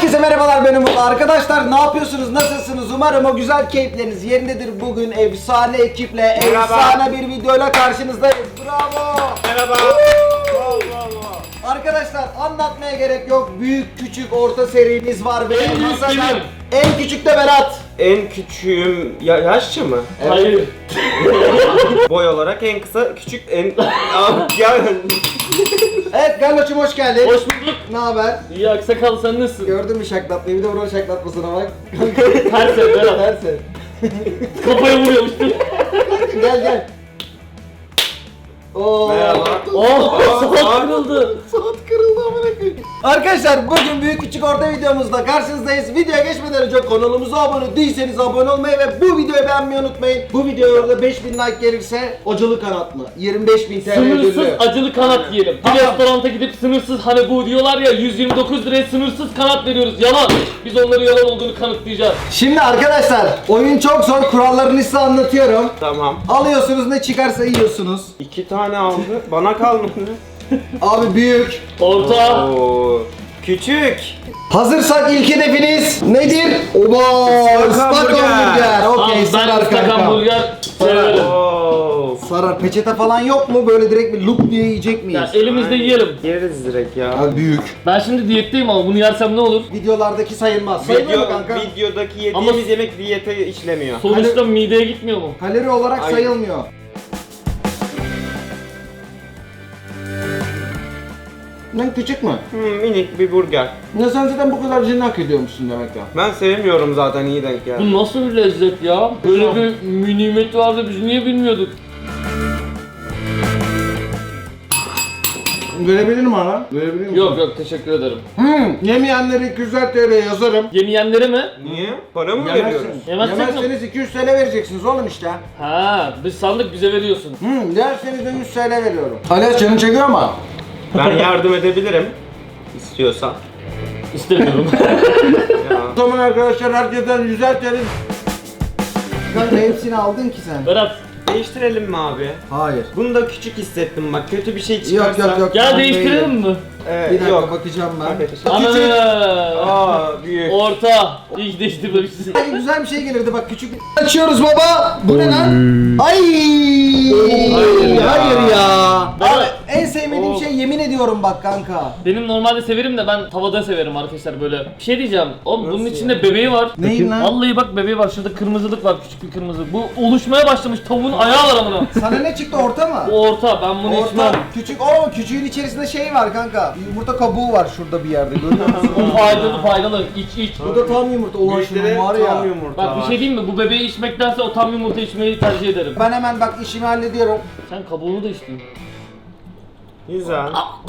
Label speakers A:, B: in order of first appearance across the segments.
A: Herkese merhabalar, benim Umut. Arkadaşlar ne yapıyorsunuz, nasılsınız? Umarım o güzel keyifleriniz yerindedir. Bugün efsane ekiple, efsane bir videoyla karşınızdayız. Bravo!
B: Merhaba.
A: Arkadaşlar anlatmaya gerek yok. Büyük, küçük, orta serimiz var ve
B: En büyük
A: masada
B: benim.
A: en küçük de Berat.
B: En küçüğüm yaşça mı?
C: Hayır.
B: Boy olarak en kısa, küçük en... ya
A: Evet Galloç'um, hoş geldin.
C: Hoş bulduk.
A: Ne haber?
C: İyi aksakal, sen nasılsın?
A: Gördün mü şaklatmayı? Bir de buranın şaklatmasına bak.
C: Ters et Berat.
A: Dersin.
C: Kafaya vuruyormuştum.
A: Gel. Oo.
B: Merhaba.
C: Oh,
B: Aa,
C: saat kırıldı.
A: Saat kırıldı amına koyayım. Arkadaşlar bugün büyük küçük orta videomuzda karşınızdayız. Videoya geçmeden önce kanalımıza abone değilseniz abone olmayı ve bu videoyu beğenmeyi unutmayın. Bu videoya da 5000 like gelirse acılı kanat mı? 25.000 TL
C: Sınırsız
A: ödüllü.
C: acılı kanat yiyelim. Bir
A: Tamam.
C: restoranta gidip sınırsız, hani bu diyorlar ya 129 liraya sınırsız kanat veriyoruz. Yalan. Biz onların yalan olduğunu kanıtlayacağız.
A: Şimdi arkadaşlar oyun çok zor, kurallarını size anlatıyorum.
B: Tamam.
A: Alıyorsunuz, ne çıkarsa yiyorsunuz.
B: 2 tane aldı. Bana kalmadı.
A: Abi büyük.
C: Orta.
B: Oo. Küçük.
A: Hazırsak ilk hedefiniz nedir? Oba! Islak
B: hamburger.
A: hamburger.
C: Tamam,
A: Okey,
C: ben
A: sarar
C: ıslak
A: kanka.
C: hamburger severim.
B: Oo.
A: Sarar. Peçete falan yok mu? Böyle direkt bir lup diye yiyecek miyiz?
C: Ya elimizde yiyelim.
B: Yeriz direkt ya.
A: Abi büyük.
C: Ben şimdi diyetteyim ama bunu yersem ne olur?
A: Videolardaki sayılmaz. Sayılır mı kanka?
B: Videodaki yediğimiz
C: Ama-
B: yemek diyete işlemiyor.
C: Sonuçta mideye gitmiyor mu?
A: Kalori olarak
B: Ay.
A: sayılmıyor. Lan küçük mü?
B: Minik bir burger.
A: Ne sen zaten bu kadar cini hak ediyormuşsun demek ya.
B: Ben sevmiyorum zaten, iyi denk geldi.
C: Bu nasıl bir lezzet ya? Böyle bir nimet vardı, biz niye bilmiyorduk?
A: Verebilir mi lan? Verebilir mi?
C: Yok teşekkür ederim.
A: Yemeyenleri 200 TL yazarım.
C: Yemeyenlere mi?
B: Niye? Para mı veriyoruz?
A: Yemezsiniz.
C: Yemezsek mi?
A: Yemezseniz 200 TL vereceksiniz oğlum işte.
C: Ha, biz sandık bize veriyorsun.
A: Derseniz de 100 TL veriyorum. Hala canın çekiyor ama.
B: Ben yardım edebilirim. İstiyorsan.
C: İstemiyorum.
B: Ya.
A: O zaman arkadaşlar herkesten 100'er TL. Kanka hepsini aldın ki sen.
C: Berat,
B: Değiştirelim mi abi?
A: Hayır.
B: Bunu da küçük hissettim bak, kötü bir şey çıkarsa.
A: Yok.
C: gel
A: ben
C: değiştirelim
A: değilim.
C: mi?
A: Bir dakika
B: Yok.
A: bakacağım ben.
B: Hadi.
A: Küçük.
C: Ana!
B: Aa büyük.
C: Orta. İyi ki değiştirmemişsin.
A: Ay, güzel bir şey gelirdi bak, küçük. Açıyoruz baba. Bu ne lan? Ay! Hayır ya. Abi, en sevmediğim şey, yemin ediyorum bak kanka.
C: Benim normalde severim de ben tavada severim arkadaşlar böyle. Bir şey diyeceğim. Oğlum bunun
B: Nasıl
C: içinde bebeği var.
A: Neyin lan?
C: Vallahi bak bebeği var. Şurada kırmızılık var, küçük bir kırmızı. Bu oluşmaya başlamış. Tavuğun ayağı var amına.
A: Sana ne çıktı, orta mı?
C: Bu orta. Ben bunu
A: Orta.
C: içmem.
A: Küçük. Oo, küçüğün içerisinde şey var kanka. Yumurta kabuğu var şurada bir yerde, görüyor musun?
C: O faydalı. İç.
A: Bu da tam yumurta. Ulan
B: Büyükleri
A: şunun var ya.
B: tam yumurta
C: Bak bir
B: var.
C: şey diyeyim mi? Bu bebeği içmektense o tam yumurta içmeyi tercih ederim.
A: Ben hemen bak işimi hallediyorum.
C: Sen kabuğunu da içtin.
B: Güzel.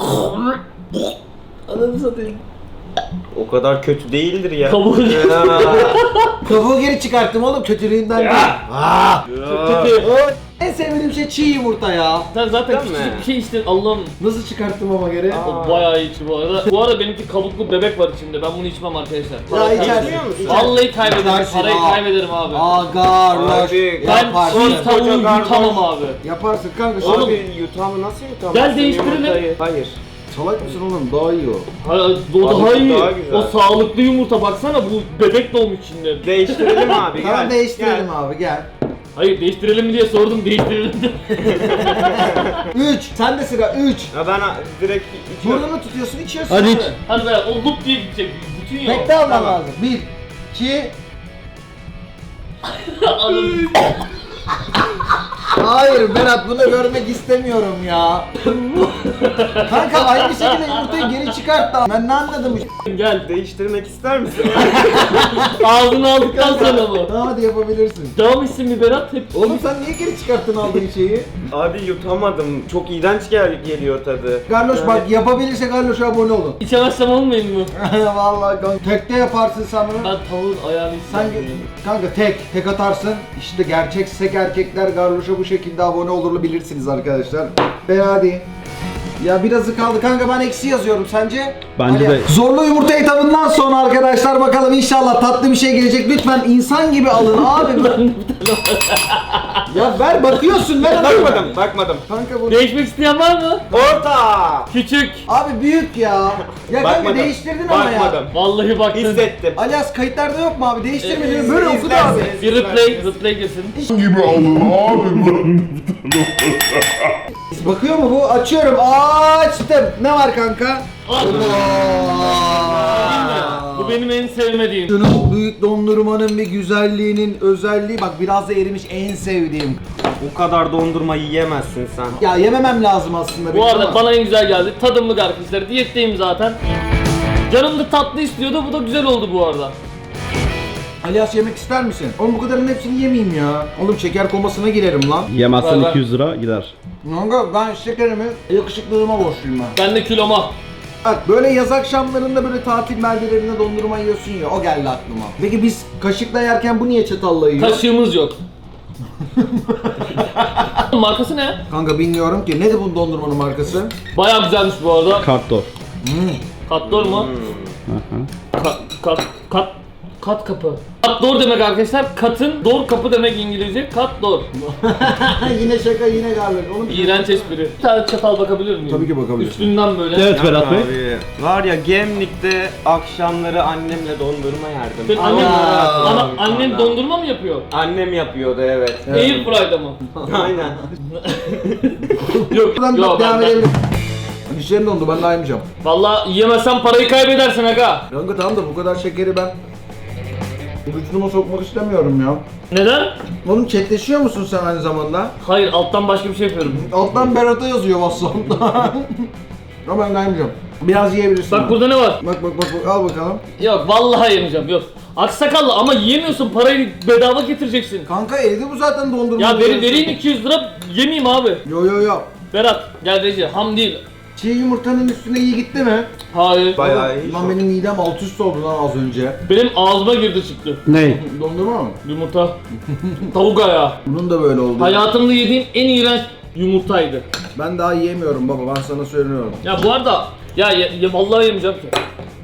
C: Ananı satayım.
B: O kadar kötü değildir ya.
C: Kabuğu.
B: Ya.
A: Kabuğu geri çıkarttım oğlum, kötülüğünden değil.
C: Kötü.
A: En sevmediğim şey çiğ yumurta ya.
C: Sen zaten
B: Değil mi?
C: küçücük bir şey içtin. Allah'ım.
A: Nasıl çıkarttım ama geri?
C: O bayağı iyi içi bu arada. Bu arada benimki kabuklu bebek var içinde. Ben bunu içmem arkadaşlar.
A: Ya içersin.
B: Içmiyor musun?
C: Vallahi kaybederim.
A: İçersin,
C: Parayı
A: aa.
C: kaybederim abi.
A: Agarloş.
B: Abi,
C: Ben
A: Yaparsın.
C: çiğ tavuğu
B: Koca garloş.
C: yutamam abi.
A: Yaparsın kanka.
C: Oğlum.
B: Abi yutamı nasıl yutamazsın?
C: Gel değiştirelim.
B: yumurtayı? Hayır.
A: Salak mısın oğlum? Daha iyi o.
C: O daha
B: Abi,
C: iyi.
B: daha güzel.
C: O sağlıklı yumurta baksana, bu bebek doğmuş içinde.
B: Değiştirelim abi gel.
A: Tamam değiştirelim
B: Gel.
A: abi, gel.
C: Hayır değiştirelim mi diye sordum, değiştirelim de.
A: 3. Sen de sıra 3.
B: Ya ben direkt içiyorum.
A: Burnunu tutuyorsun, içiyorsun.
C: Hadi
A: abi.
C: iç. Hadi be, o lup diye gidecek. Bütün yok.
A: Tekte alman
B: Tamam.
A: lazım. 1, 2.
C: Anladım.
A: Hayır Berat, bunu görmek istemiyorum ya. Kanka aynı şekilde yumurtayı geri çıkart da. Ben ne anladım bu
C: Gel.
B: Değiştirmek ister misin?
C: Ağzını aldıktan sonra bu.
A: Tamam hadi yapabilirsin.
C: Devam etsin mi Berat? Hep
A: Oğlum sen niye geri çıkarttın aldığın şeyi?
B: Abi yutamadım. Çok iğrenç geliyor tadı.
A: Garloş
B: Yani-
A: bak, yapabilirse Garloş'a abone olun.
C: içemezsem olmayayım mı?
A: Vallahi kanka. Tekte yaparsın sen bunu.
C: Ben tavuğun ayağını
A: Sen
C: içeceğim.
A: kanka tek atarsın. İşte gerçek sek erkekler Garloş'a bu şekilde abone olurlu, bilirsiniz arkadaşlar. Hadi. Ya birazı kaldı kanka, ben eksi yazıyorum, sence?
D: Bence
A: Hadi.
D: de.
A: Zorlu yumurta etabından sonra arkadaşlar bakalım bakalım inşallah tatlı bir şey gelecek. Lütfen insan gibi alın abi. Ya ver bakıyorsun ver.
B: Bakmadım.
A: Kanka bu.
C: Değişmek isteyen var mı?
B: Orta.
C: Küçük.
A: Abi büyük ya. Ya kanka
B: Bakmadım.
A: değiştirdin ama ya.
B: Bakmadım.
C: Vallahi baktın.
B: Hissettim.
A: Alias kayıtlarda yok mu abi? Değiştirmedin mi? Böyle okudu abi.
B: İzlersiniz,
C: Bir replay girsin.
A: Bakıyor mu bu? Açıyorum. Açtım. Ne var kanka?
C: Bu benim en sevmediğim.
A: Şunun büyük dondurmanın bir güzelliğinin özelliği bak biraz da erimiş en sevdiğim.
B: O kadar dondurma yiyemezsin sen.
A: Ya yememem lazım aslında.
C: Bu
A: benim
C: arada
A: ama.
C: bana en güzel geldi. Tadımlık arkadaşlar. Diyetteyim zaten. Canım da tatlı istiyordu. Bu da güzel oldu bu arada.
A: Alias yemek ister misin? Oğlum bu kadarının hepsini yemeyeyim ya. Oğlum şeker komasına girerim lan.
D: Yemezsen
C: Ver.
D: 200 lira gider.
A: Kanka ben şekerimi yakışıklılığıma borçluyum ben.
C: Ben de kiloma.
A: Bak böyle yaz akşamlarında böyle tatil beldelerinde dondurma yiyorsun ya o geldi aklıma. Peki biz kaşıkla yerken bu niye çatalla yiyor?
C: Kaşığımız yok. Markası ne?
A: Kanka bilmiyorum ki. Nedir bu dondurmanın markası?
C: Bayağı güzelmiş bu arada.
D: Kartdor.
C: Katdor mu? Kat kapı. Katdor demek arkadaşlar. Katın dor kapı demek İngilizce. Katdor.
A: Yine şaka yine garlık. Oğlum
C: İğrenç espri. Bir tane çatal bakabilir miyim?
A: Tabii ki bakabilirsin.
C: Üstünden böyle.
D: Evet Berat Bey.
B: Abi, var ya Gemlik'te akşamları annemle dondurma yerdim.
C: Senin annen,
A: Aa,
C: annen dondurma mı yapıyor?
B: Annem yapıyordu evet.
C: Airfry'da mı?
B: Aynen.
C: Yok,
A: Buradan
C: yok
A: devam
C: ben.
A: edelim. Dişlerim dondu ben daha yemeyeceğim.
C: Valla yiyemezsen parayı kaybedersin aga.
A: Kanka tamam da bu kadar şekeri ben vücuduma sokmak istemiyorum ya.
C: Neden?
A: Oğlum chatleşiyor musun sen aynı zamanda?
C: Hayır, alttan başka bir şey yapıyorum.
A: Alttan Berat'a yazıyor WhatsApp'ta. Ama ben daha yemeyeceğim. Biraz yiyebilirsin.
C: Bak burada ne var?
A: Bak al bakalım.
C: Yok vallahi yemeyeceğim, yok. Aksakallı ama yiyemiyorsun, parayı bedava getireceksin.
A: Kanka evde bu zaten dondurma.
C: Ya vereyim 200 lira, yemeyeyim abi.
A: Yo.
C: Berat gel Reci, ham değil.
A: Çiğ yumurtanın üstüne iyi gitti mi?
C: Hayır.
B: Bayağı iyi.
A: Lan benim midem alt üst oldu lan az önce.
C: Benim ağzıma girdi çıktı.
D: Ne?
A: Dondurma mı?
C: Yumurta. Tavuk ayağı.
A: Bunun da böyle oldu.
C: Hayatımda yediğim en iğrenç yumurtaydı.
A: Ben daha yiyemiyorum baba ben sana söylüyorum.
C: Ya bu arada, ya vallahi yemeyeceğim ki.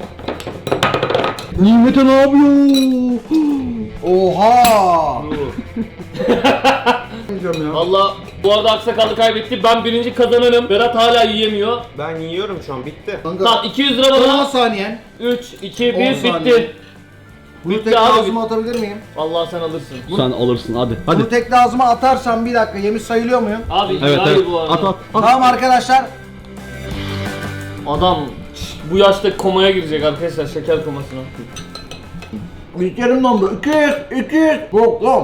A: Nimet'e ne yapıyor? Oha! Yiyeceğim ya.
C: Valla bu arada aksakallı kaybetti. Ben birinci kazananım. Berat hala yiyemiyor.
B: Ben yiyorum şu an bitti.
A: Kanka,
C: Tamam 200 lira
A: 10
C: bana.
A: saniyen.
C: 3, 2,
A: 10
C: 1
A: saniye.
C: bitti.
A: Bunu
C: Bitti
A: tek
C: abi.
A: ağzıma atabilir miyim?
C: Vallahi sen alırsın.
D: Sen alırsın hadi. Hadi.
A: Bunu tek ağzıma atarsam bir dakika yemiş sayılıyor muyum?
C: Abi
D: Evet
C: hayır
D: evet.
C: bu arada.
D: At.
A: Tamam arkadaşlar.
C: Adam bu yaşta komaya girecek arkadaşlar, şeker komasına.
A: İlkerim dondu. 200. Yok lan.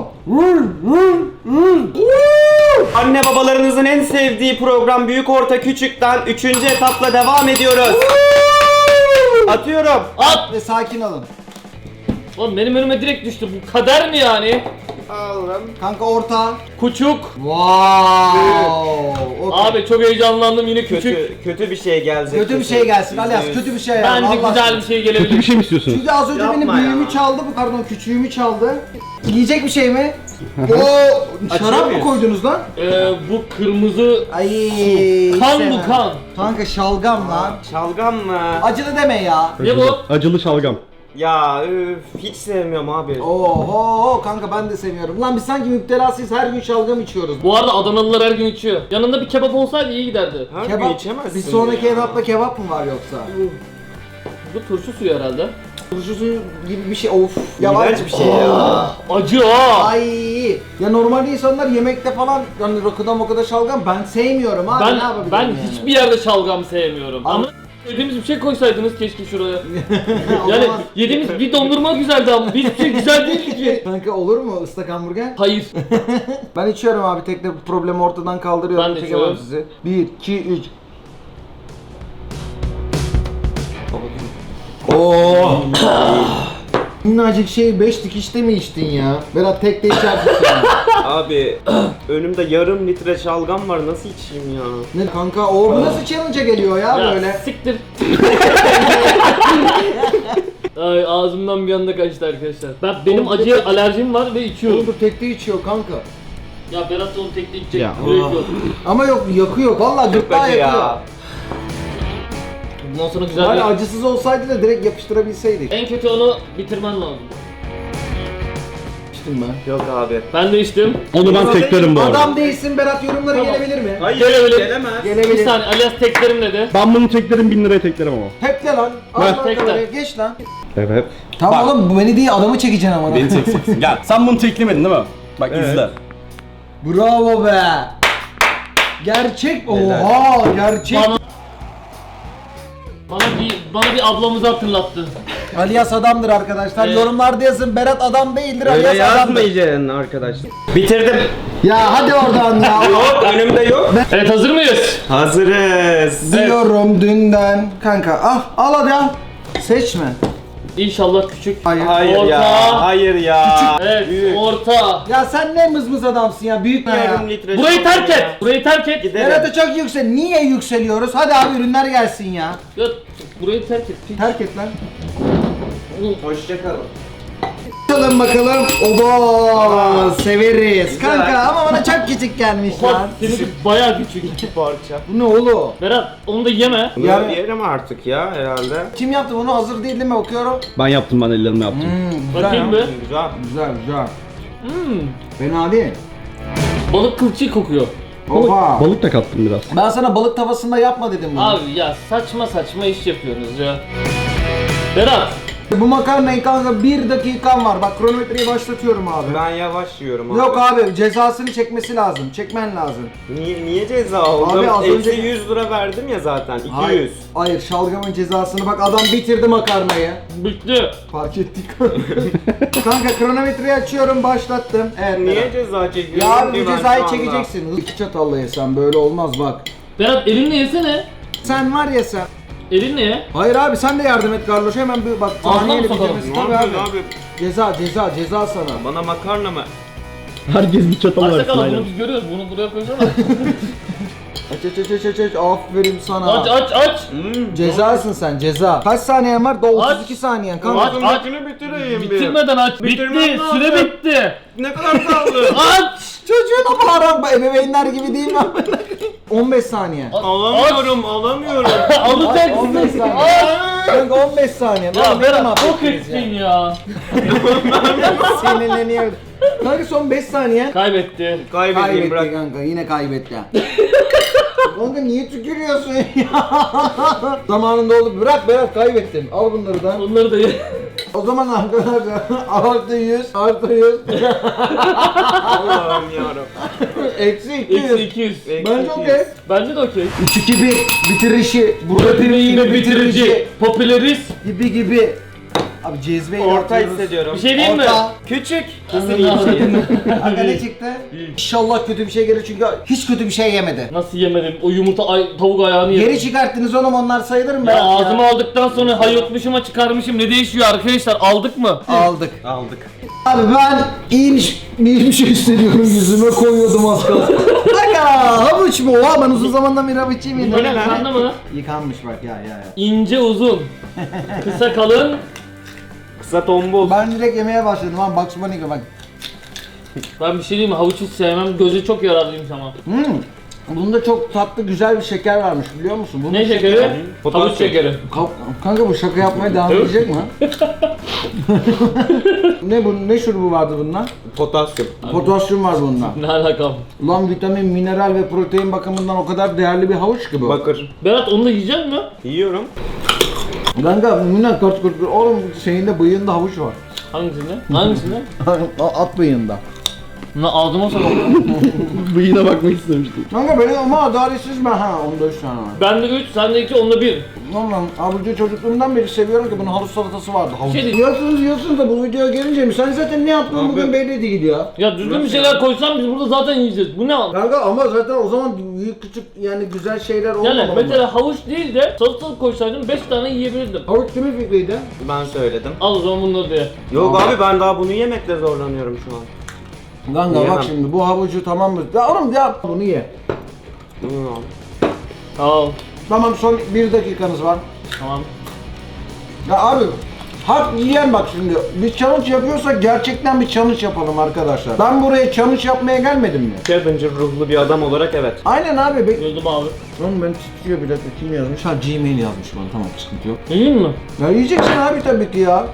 B: Anne babalarınızın en sevdiği program Büyük Orta Küçük'ten 3. etapla devam ediyoruz. Atıyorum.
C: At!
A: Ve sakin olun.
C: Oğlum benim önüme direkt düştü. Bu kader mi yani?
B: Aldım.
A: Kanka orta.
C: Küçük.
A: Wow. Okay.
C: Abi çok heyecanlandım, yine küçük.
B: Kötü bir şey gelecek.
A: Kötü bir şey gelsin Alias. Kötü bir şey ya.
C: Bence
A: Allah
C: güzel
A: aşkına.
C: bir şey
D: Kötü bir
C: gelebilir.
D: şey mi istiyorsun?
A: Çünkü az önce
B: Yapma
A: benim
B: ya.
A: büyüğümü çaldı, pardon küçüğümü çaldı. Yiyecek bir şey mi? Oo, şarap mı
B: mıyız?
A: koydunuz lan?
C: Bu kırmızı
A: Ay.
C: kan
A: sevmem.
C: bu kan.
A: Kanka şalgam lan.
B: Şalgam mı?
A: Acılı deme ya.
C: Ne bu?
D: Acılı şalgam.
B: Ya üf, hiç sevmiyorum abi.
A: Oho kanka ben de seviyorum. Lan biz sanki müptelasıyız her gün şalgam içiyoruz.
C: Bu arada Adanalılar her gün içiyor. Yanında bir kebap olsaydı iyi giderdi.
B: Her gün
A: Kebap.
B: içemezsin
A: Bir sonraki
B: ya.
A: etapta kebap mı var yoksa?
C: Bu turşu suyu herhalde.
A: Turşusu gibi bir şey of. Ya var-
B: İğrenç bir şey ya.
C: Acı ha.
A: Ay. Ya normalde insanlar yemekte falan yani rakıda şalgam ben sevmiyorum abi ne yapabilirim
C: Ben
A: yani?
C: hiçbir yerde şalgam sevmiyorum.
A: Ama-
C: Ama yediğimiz bir şey koysaydınız keşke şuraya.
A: O
C: Yani
A: zaman-
C: yediğimiz bir dondurma güzeldi ama hiçbir şey güzel değildi ki.
A: Kanka olur mu ıslak hamburger?
C: Hayır.
A: Ben içiyorum abi tekne bu problemi ortadan kaldırıyorum.
C: Ben de
A: Çekemem
C: içiyorum.
A: sizi. 1, 2, 3. Oo. Minnacık şey 5 dikişte mi içtin ya? Berat tek de içersin sen.
B: Abi önümde yarım litre şalgam var nasıl içeyim ya?
A: Ne kanka o bu nasıl challenge'a geliyor ya,
C: Ya
A: böyle?
C: siktir. Ay ağzımdan bir anda kaçtı arkadaşlar. Benim acıya alerjim var ve
A: Oğlum
C: içiyorum.
A: dur tekte içiyor kanka.
C: Ya Berat da onu tekli içecek.
D: Ya.
C: Gerek yok.
A: Ama yok yakıyor. Vallahi gırtlağı
B: Acı
A: yakıyor.
B: ya.
C: Bundan sonra güzel
A: Yani
C: bir...
A: acısız olsaydı da direkt yapıştırabilseydik.
C: En kötü onu bitirmen lazım.
A: İçtim ben.
B: Yok abi.
C: Ben de içtim.
D: Onu ben teklerim bu arada.
A: Adam değilsin Berat, yorumlara
C: Tamam.
A: gelebilir mi?
B: Hayır,
C: Gelebilir.
B: gelemez.
C: Bir
A: Gelebilir.
C: saniye, Alias teklerim dedi.
D: Ben bunu teklerim 1000 liraya teklerim ama.
A: Tekle lan. Al
D: Ver.
A: lan
C: Tekle.
A: kamerayı, geç lan.
D: Evet.
A: Tamam oğlum, bu beni değil adamı çekeceksin ama.
E: Beni çekeceksin. Gel. Sen bunu teklemedin değil mi? Bak
B: Evet.
E: izle.
A: Bravo be. Gerçek. Oha gerçek.
C: Bana bir ablamızı hatırlattı.
A: Alias adamdır arkadaşlar.
C: Evet.
A: Yorumlarda yazın. Berat adam değildir.
B: Öyle
A: Alias adamdır.
B: yazmayacaksın arkadaşlar. Bitirdim.
A: Ya hadi oradan ya.
B: Yok, önümde yok.
C: Evet, hazır mıyız?
B: Hazırız.
A: Diyorum dünden. Kanka al hadi al. Seçme.
C: İnşallah küçük.
A: Hayır.
B: Hayır
C: Orta.
B: ya. Hayır ya.
C: Evet,
B: Büyük.
C: orta.
A: Ya sen ne mızmız adamsın ya. Büyük ne ya.
B: Yarım litre.
C: Burayı
B: şalgam
C: terk
B: ya.
C: et. Burayı terk et.
B: Gidelim.
A: Berat'a çok yüksel. Niye yükseliyoruz? Hadi abi ürünler gelsin ya.
C: Ya, burayı terk et. Piç.
A: Terk et lan.
B: Hoşçakalın.
A: Bakalım. Oba severiz.
B: Güzel.
A: Kanka ama bana çok küçük gelmiş
C: Bak,
A: lan.
C: seninki bayağı küçük.
B: İki parça.
A: Bu ne oğlum?
C: Berat, onu da yeme.
B: Bunu
A: Yani-
B: yerim artık ya herhalde.
A: Kim yaptı bunu? Hazır değil mi? Okuyorum.
D: Ben yaptım, ben ellerimle yaptım.
A: Güzel
C: Bakayım
A: ya.
C: bir.
B: Güzel.
A: Güzel güzel.
C: Hmm.
A: Fena değil.
C: Balık kılçığı kokuyor.
A: Oha.
D: Balık da kattım biraz.
A: Ben sana balık tavasında yapma dedim bunu.
C: Abi ya saçma saçma iş yapıyorsunuz ya. Berat,
A: Bu makarnayı kanka 1 dakikan var. Bak kronometreyi başlatıyorum abi.
B: Ben yavaş yiyorum abi.
A: Yok abi cezasını çekmesi lazım. Çekmen lazım.
B: Niye ceza oldum?
A: Abi az
B: Eksi
A: önce-
B: 100 lira verdim ya zaten. 200.
A: Hayır. Hayır şalgamın cezasını bak adam bitirdi makarnayı.
C: bitti.
A: Fark ettik. Kanka kronometreyi açıyorum başlattım. Evet.
B: Niye
A: Berat.
B: ceza çekiyorsun?
A: Ya abi
B: ki
A: bu
B: ben
A: cezayı
B: şu anda?
A: çekeceksin. 2 çatalla yesen böyle olmaz bak.
C: Berat, elinle yesene.
A: Sen var ya sen.
C: Elinle ye.
A: Hayır abi sen de yardım et Carlos. Hemen bir bak
C: Ağzına
A: saniyeyle
C: mı sokalım?
A: bitirmesi
B: Ne
A: tabii
B: yapıyorsun
A: abi.
B: abi?
A: Ceza sana.
B: Bana makarna mı?
D: Herkes bir çatal
C: Arsa
D: versin
C: kalan
D: aynen.
C: bunu biz görüyoruz. Bunu buraya koysana.
A: Aç. Aferin sana.
C: aç.
A: Cezasın sen ceza. Kaç saniyen var? Daha 32 saniyen kanka.
C: Aç.
B: Ağzındakini bitireyim bir.
C: Bitirmeden aç.
B: Bitirmem
C: Bitti.
B: lazım.
C: Süre bitti.
B: Ne kadar kaldı?
C: Aç.
A: Çocuğuna bağıran ebeveynler gibi değil mi? 15 saniye.
B: Alamıyorum.
A: 15
C: Alacaksın.
A: saniye.
C: Aç.
A: Kanka 15 saniye.
C: Ya
A: Lan beni
C: Berat, çok
A: mahvettiniz
C: ettin ya.
A: Sinirleniyor. Kanka son 5 saniye.
C: Kaybetti.
B: Kaybedeyim
A: Kaybetti
B: bırak.
A: kanka yine kaybetti. Kanka niye tükürüyorsun ya? Zamanında oldu. Bırak Berat kaybettin. Al bunları da.
C: Onları da ye.
A: O zaman arkadaşlar artı 100 artı 100
B: Allah'ım yarabbim.
A: eksi 200.
C: Eksi 200.
A: Bence okey.
C: Bence de okey.
A: 3-2-1 bitirişi. Burada
C: Yine bitirici. Popüleriz.
A: gibi. Abi cezveyi
B: Orta
A: yapıyoruz.
B: hissediyorum.
C: Bir şey diyeyim mi?
A: Orta.
B: Küçük.
A: Kanka ne çıktı? İnşallah kötü bir şey gelir çünkü hiç kötü bir şey yemedi.
C: Nasıl yemedim? O yumurta tavuk ayağını yedim.
A: Geri çıkarttınız oğlum onlar sayılır mı?
C: Ya ağzıma aldıktan sonra hayotmuşuma çıkarmışım. Ne değişiyor arkadaşlar? Aldık mı?
A: Aldık.
B: Aldık.
A: Abi ben iyi bir şey hissediyorum yüzüme koyuyordum az kalsın. Kanka havuç mu? Oha ben uzun zamandan beri havuç yemiyordum.
C: Böyle yıkandı mı?
A: Yıkanmış bak ya.
C: İnce uzun. Kısa kalın.
B: Kısa tombul.
A: Ben direkt yemeye başladım lan Bugs Bunny gibi bak.
C: Ben bir şey diyeyim mi? Havuç hiç sevmem. Gözü çok yararlıymış ama.
A: Bunda çok tatlı güzel bir şeker varmış biliyor musun? Bunun
C: Ne şekeri?
B: Potasyum.
C: Havuç şekeri.
A: Kanka bu şaka yapmaya devam edecek mi? ne şurubu vardı bundan?
B: Potasyum.
A: Potasyum var bunda.
C: Ne alakam?
A: Ulan vitamin, mineral ve protein bakımından o kadar değerli bir havuç ki bu.
B: Bakır.
C: Berat, onu da yiyecek mi?
B: Yiyorum.
A: Kanka minnak kaç oğlum şeyinde bıyığında havuç var.
C: Hangisinde? Hangisinde?
A: At bıyığında.
C: Lan ağzıma sokalım.
D: Bıyığına bakmak istemiştim.
A: Kanka benim ama adaletsiz ben ha onda 3 tane var.
C: Bende 3, sende 2, onda 1.
A: Lan abici çocukluğumdan beri seviyorum ki bunun havuç salatası vardı. Havuç.
C: Şey değil.
A: Yiyorsunuz da bu videoya gelince mi? Sen zaten ne yaptığın
B: Abi.
A: bugün belli değil ya.
C: Ya düzgün bir şeyler koysan biz burada zaten yiyeceğiz. Bu ne?
A: Kanka ama zaten o zaman büyük küçük yani güzel şeyler olmamalı.
C: Yani mesela havuç değil de salatalık koysaydım 5 tane yiyebilirdim.
A: Havuç kimin fikriydi?
B: Ben söyledim.
C: Al o zaman bunları diye.
B: Yok abi ben daha bunu yemekle zorlanıyorum şu an.
A: Kanka
B: Yiyemem.
A: bak şimdi bu havucu tamam mı? Ya oğlum ya bunu ye.
C: Al.
A: Tamam son 1 dakikanız var.
C: Tamam.
A: Ya abi Hak yiyen bak şimdi. Biz challenge yapıyorsak gerçekten bir challenge yapalım arkadaşlar. Ben buraya challenge yapmaya gelmedim mi?
B: Challenger ruhlu bir adam olarak evet.
A: Aynen abi.
C: Gördüm abi.
A: Oğlum ben titriyor bir dakika, kim yazmış? Ha Gmail yazmış bana, tamam sıkıntı yok.
C: Yiyeyim mi?
A: Ya yiyeceksin abi tabii ki ya.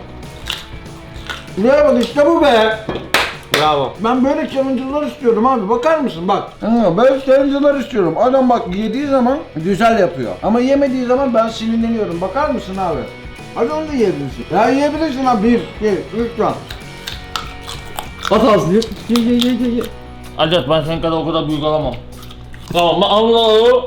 A: Buraya bak işte bu be.
B: Bravo.
A: Ben böyle challenge'lar istiyorum abi, bakar mısın bak. Böyle challenge'lar istiyorum. Adam bak yediği zaman güzel yapıyor. Ama yemediği zaman ben sinirleniyorum. Bakar mısın abi? Hadi onu da yiyebilirsin. Ya yiyebilirsin abi. 1, 2, 3 tane.
D: At ağzını ye. Ye.
C: Acayip ben senin kadar o kadar büyük alamam. Tamam Allah.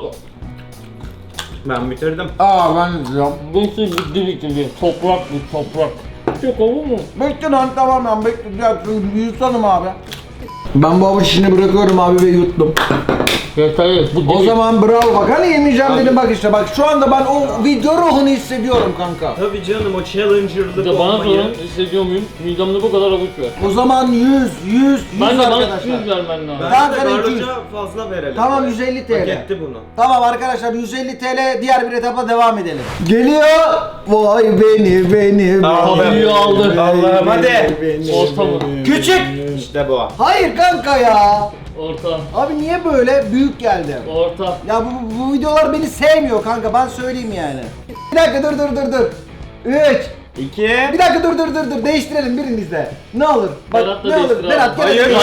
B: Ben bitirdim.
A: Aa ben izliyorum.
C: Bu şey bitti. Toprak bu toprak. Çok olur mu?
A: Bekle lan, tamam ben bekleyeceğim. Yutanım abi. Ben bu avuç işini bırakıyorum abi ve yuttum.
C: Yeter. Bu
A: O zaman bravo bak, hani yemeyeceğim dedim, bak işte bak şu anda ben o video ruhunu hissediyorum kanka.
B: Tabii canım, o challenger'lık
C: de bana
B: olmayı.
C: sorun hissediyor muyum? Midemde bu kadar avuç var.
A: O zaman 100
C: Ben de bana
A: arkadaşlar.
C: 200 vermen lazım.
A: Ben
B: Bence
A: sana
B: de
A: 200.
B: Garloş'a fazla verelim.
A: Tamam 150 TL.
B: Hak etti bunu.
A: Tamam arkadaşlar 150 TL, diğer bir etapa devam edelim. Geliyor. Vay beni.
B: Tamam.
C: Büyüğü aldı.
B: Allah'ım hadi.
C: Orta mı?
B: Küçük. İşte bu.
A: Hayır kanka ya.
C: Orta.
A: Abi niye böyle büyük geldi?
C: Orta.
A: Ya bu videolar beni sevmiyor kanka, ben söyleyeyim yani. Bir dakika dur. 3.
B: 2.
A: Bir dakika dur. Değiştirelim birinizde. Ne olur? Bak
C: Berat da
A: ne olur?
C: değiştir
A: Berat
C: abi.
A: gel.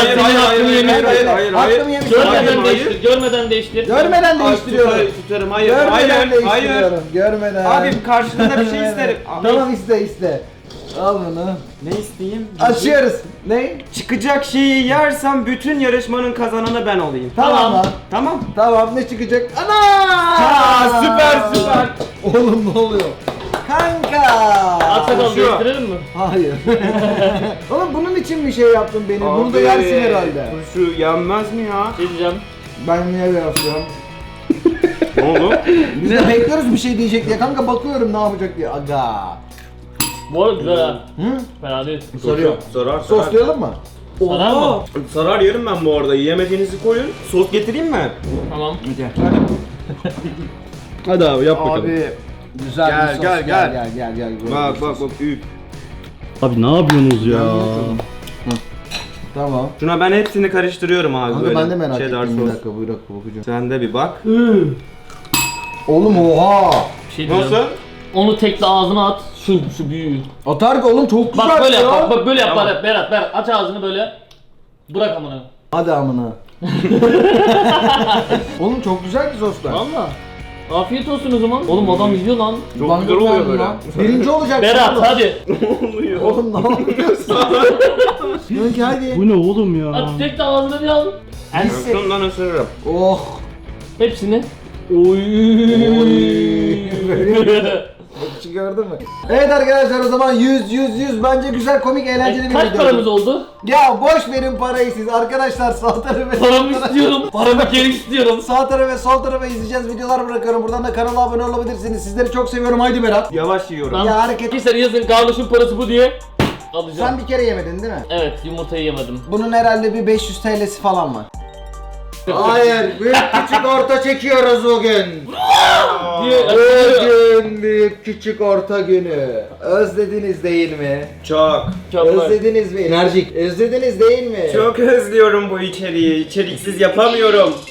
C: Hayır,
A: Hakkımı yemiş.
C: Görmeden değiştir.
A: Görmeden değiştiriyorum.
B: Tutarım. Hayır.
A: Görmeden
B: Hayır.
A: değiştiriyorum. Görmeden.
B: Abi karşılığında bir şey isterim.
A: Tamam iste. Al bunu.
B: Ne isteyeyim?
A: Açıyoruz. Ne?
B: Çıkacak şeyi yersem bütün yarışmanın kazananı ben olayım.
A: Tamam lan.
B: Tamam.
A: Tamam, ne çıkacak? Ana!
B: Aa, süper.
A: Oğlum ne oluyor? Kanka!
C: At sakal
B: Şu.
C: değiştirelim mi?
A: Hayır. Oğlum bunun için bir şey yaptın beni. Bunu da
B: Abi,
A: yersin herhalde.
B: Şu yenmez mi ya?
C: Şey diyeceğim.
A: Ben niye yapıyorum?
B: Ne oldu?
A: Biz de bekliyoruz bir şey diyecek diye. Kanka bakıyorum ne yapacak diye. Aga.
C: Bu arada güzel ha.
A: Hı?
C: Fena değil.
A: Soruyor.
B: Sarar.
A: Soslayalım mı?
C: Sarar mı?
B: Sarar yerim ben bu arada. Yiyemediğinizi koyun. Sos getireyim mi?
C: Tamam.
D: Hadi abi yap bakalım.
A: Abi güzel
B: Gel,
A: bir sos.
B: gel.
A: Gel.
B: Bak üp.
D: Abi ne yapıyorsunuz ya?
A: Tamam.
B: Şuna ben hepsini karıştırıyorum abi
A: Kanka
B: böyle.
A: ben de merak
B: Cheddar
A: ettim. Bir
B: sos.
A: dakika bakacağım.
B: Sen de bir bak.
A: Oğlum oha.
C: Bir şey diyeceğim.
B: Nasıl?
C: Onu tekle ağzına at. Şu büyüğü.
A: Atar ki oğlum, çok güzel
C: Bak böyle
A: ya.
C: yap. Bak böyle yap.
B: Tamam.
C: Berat. Aç ağzını böyle. Bırak amına.
A: Hadi amına. Oğlum çok güzel ki soslar.
C: Valla. Afiyet olsun o zaman. Oğlum adam yiyor lan.
B: Çok
A: Ben
B: güzel
A: de
B: oluyor
A: beğendim
B: böyle.
A: lan. Birinci olacak.
C: Berat
A: oğlum.
C: hadi.
B: Oluyor.
A: Oğlum ne yapıyorsun? Kanka hadi.
D: Bu ne oğlum ya?
C: At tekle ağzına bir al.
B: Şundan ısırırım.
A: Oh.
C: Hepsini. Oy.
A: Bakışı gördün mü? Evet arkadaşlar, o zaman 100 bence güzel, komik, eğlenceli bir
C: Kaç
A: video.
C: paramız oldu?
A: Ya boş verin parayı siz arkadaşlar, sağ tarafı ve
C: Paramı istiyorum. Paramı geri istiyorum.
A: sağ tarafı ve sol tarafa izleyeceğiz videolar bırakıyorum. Buradan da kanala abone olabilirsiniz. Sizleri çok seviyorum. Haydi Berat.
B: Yavaş yiyorum.
C: Lan
A: Ya hareket-
C: Arkadaşlar yazın Garloş'un parası bu diye alacağım.
A: Sen bir kere yemedin değil mi?
C: Evet, yumurtayı yemedim.
A: Bunun herhalde bir 500 TL'si falan var. Hayır, büyük küçük orta çekiyoruz bugün. Bugün büyük küçük orta günü. Özlediniz değil mi?
B: Çok.
A: Özlediniz mi? Enerjik. Özlediniz değil mi?
B: Çok özlüyorum bu içeriği. İçeriksiz yapamıyorum.